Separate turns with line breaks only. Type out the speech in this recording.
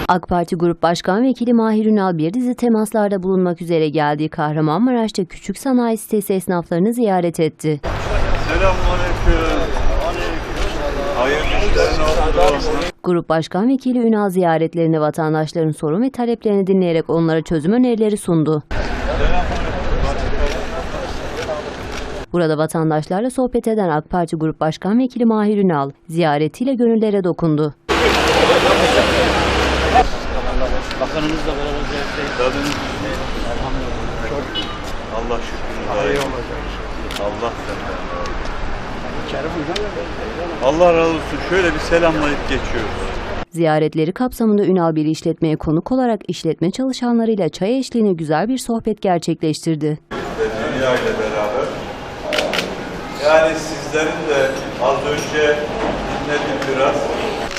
AK Parti Grup Başkan Vekili Mahir Ünal bir dizi temaslarda bulunmak üzere geldiği Kahramanmaraş'ta küçük sanayi sitesi esnaflarını ziyaret etti.
Selamünaleyküm. Hayırlı işler olsun.
Grup Başkan Vekili Ünal ziyaretlerinde vatandaşların sorun ve taleplerini dinleyerek onlara çözüm önerileri sundu. Burada vatandaşlarla sohbet eden AK Parti Grup Başkan Vekili Mahir Ünal ziyaretiyle gönüllere dokundu.
Bakanımızla beraber ziyaretteyiz.
Allah şükür. Allah senden. Allah razı olsun. Şöyle bir selamlayıp geçiyoruz.
Ziyaretleri kapsamında Ünal bir işletmeye konuk olarak işletme çalışanlarıyla çay eşliğinde güzel bir sohbet gerçekleştirdi.
Dünya ile beraber. Yani sizlerin de az önce dinledim biraz.